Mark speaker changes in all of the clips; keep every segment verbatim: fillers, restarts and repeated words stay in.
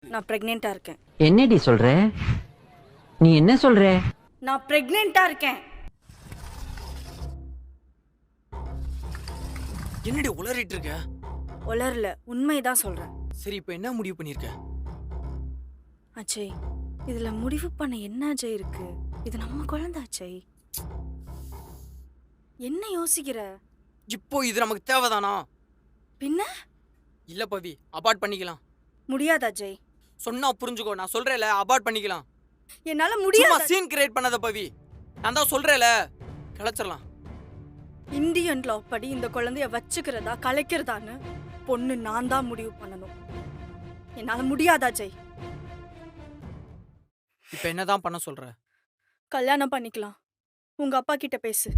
Speaker 1: நான் பிரெக்னெண்டா இருக்கேன்.
Speaker 2: என்னடி சொல்ற? நீ என்ன சொல்ற?
Speaker 1: நான் பிரெக்னெண்டா இருக்கேன்.
Speaker 3: என்னடி உளறிட்டு இருக்க?
Speaker 1: உளரல, உண்மைதான் சொல்றேன்.
Speaker 3: சரி, இப்போ என்ன முடிவு பண்ணிருக்க?
Speaker 1: அஜய், இதுல முடிவு பண்ண என்ன அஜய் இருக்கு? இது நம்ம குழந்தை அஜய். என்ன யோசிக்கிற?
Speaker 3: இப்போ இது நமக்கு தேவைதானா?
Speaker 1: பின்ன
Speaker 3: இல்ல பவி, அபார்ட் பண்ணிக்கலாம்.
Speaker 1: முடியாது அஜய்.
Speaker 3: சொன்னா புரிஞ்சுக்கோ, நான் சொல்றேல அபார்ட் பண்ணிக்கலாம்.
Speaker 1: என்னால
Speaker 3: சும்மா
Speaker 1: முடியாது.
Speaker 3: சீன் கிரியேட் பண்ணாத பவி, நான் தான் சொல்றேல கிளச்சிடலாம்.
Speaker 1: இந்தியன் லா படி இந்த குழந்தைய வச்சுக்கிறதா கலைக்கிறதான்னு பொண்ணு நான் தான் முடிவு பண்ணணும். என்னால முடியாது அஜய்.
Speaker 3: இப்போ என்னதான் பண்ண சொல்ற?
Speaker 1: கல்யாணம் பண்ணிக்கலாம். உங்க அப்பா கிட்ட பேசு.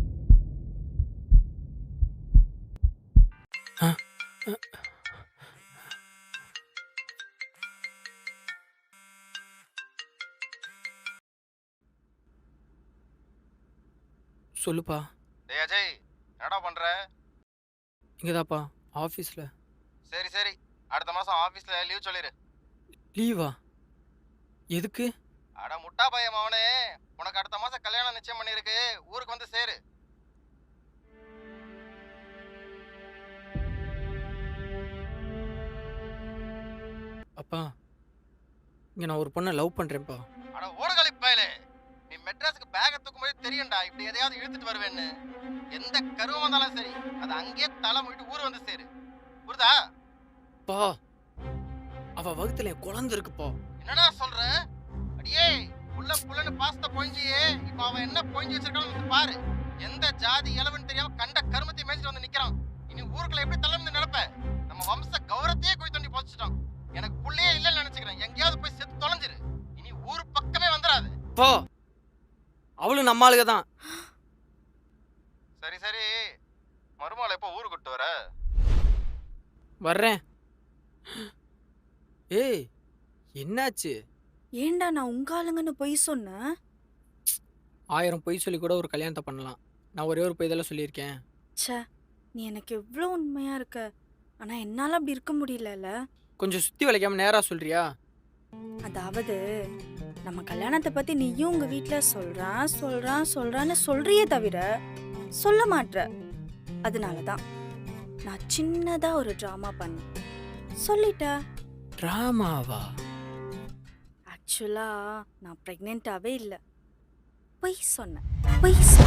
Speaker 3: சொல்லுப்பா.
Speaker 4: டேய் அஜய், என்னடா பண்ற?
Speaker 3: இங்கதாப்பா ஆஃபீஸில்.
Speaker 4: சரி சரி, அடுத்த மாசம் ஆபீஸ்ல லீவ் சொல்லிரு.
Speaker 3: லீவா? எதுக்கு?
Speaker 4: அட முட்டா பையன் அவனே, உனக்கு அடுத்த மாசம் கல்யாணம் நிச்சயம் பண்ணிருக்கு, ஊருக்கு வந்து சேரு.
Speaker 3: அப்பா, இங்கே நான் ஒரு பொண்ணை லவ் பண்ணுறேன்ப்பா.
Speaker 4: அட ஓடுகளி பயலே, நீ மெட்ராஸுக்கு பேக தூக்கும்போது தெரியும்டா இப்படி எதையாவது இழுத்துட்டு வருவேன்னு. எந்த கருவம் வந்தாலும் சரி, அது அங்கேயே தலை மூடிட்டு ஊர் வந்து சேரு. புரியுதா?
Speaker 3: பா, அவ வகுத்துல என் குழந்தை இருக்குப்பா.
Speaker 4: என்னடா சொல்ற? அடியே, புள்ள புள்ளன்னு பாஸ்த பொழிஞ்சியே, இப்ப அவன் என்ன பொழிஞ்சு வச்சிருக்கான்னு வந்து பாரு. எந்த ஜாதி இளவன்னு தெரியாம கண்ட கருமத்தை மேய்ச்சிட்டு வந்து நிக்கிறான். இனி ஊருக்குள்ள எப்படி தள்ள வந்து நினைப்ப? நம்ம வம்ச கௌரவத்தையே குழி தோண்டி புதைச்சிட்டான். எனக்கு புள்ளையே இல்லைன்னு நினைச்சுக்கிறேன். எங்கேயாவது போய் செத்து தொலைஞ்சிரு. இனி ஊர் பக்கமே வந்துடாது.
Speaker 3: பா, அவளும் நம்ம ஆளுக தான்.
Speaker 4: சரி சரி, மருமகளை எப்போ ஊருக்கு விட்டு வர?
Speaker 3: வர்றேன். ஏய், என்னாச்சு?
Speaker 1: ஏண்டா நான் உங்க ஆளுங்கன்னு பொய் சொன்னேன்?
Speaker 3: ஆயிரம் பொய் சொல்லி கூட ஒரு கல்யாணத்தை பண்ணலாம். நான் ஒரே ஒரு பொய் இதெல்லாம் சொல்லியிருக்கேன்.
Speaker 1: ச்சே, நீ எனக்கு எவ்வளோ உண்மையா இருக்க. ஆனா என்னால அப்படி இருக்க முடியலல்ல.
Speaker 3: கொஞ்சம் சுத்தி வளைக்காம நேரா சொல்றியா?
Speaker 1: அதாவது நம்ம கல்யாணத்தை பத்தி நீயும் உங்க வீட்ல சொல்றான் சொல்றான் சொல்றான்னு சொல்றியே தவிர சொல்ல மாட்ற. அதனாலதான் நான் சின்னதா ஒரு டிராமா பண்ணேன். சொல்லிட்டேன்.
Speaker 3: டிராமாவா?
Speaker 1: ஆக்சுவலா நான் பிரெக்னென்ட்டாவே இல்லை, பொய் சொன்னேன். பொய் சொன்னேன்.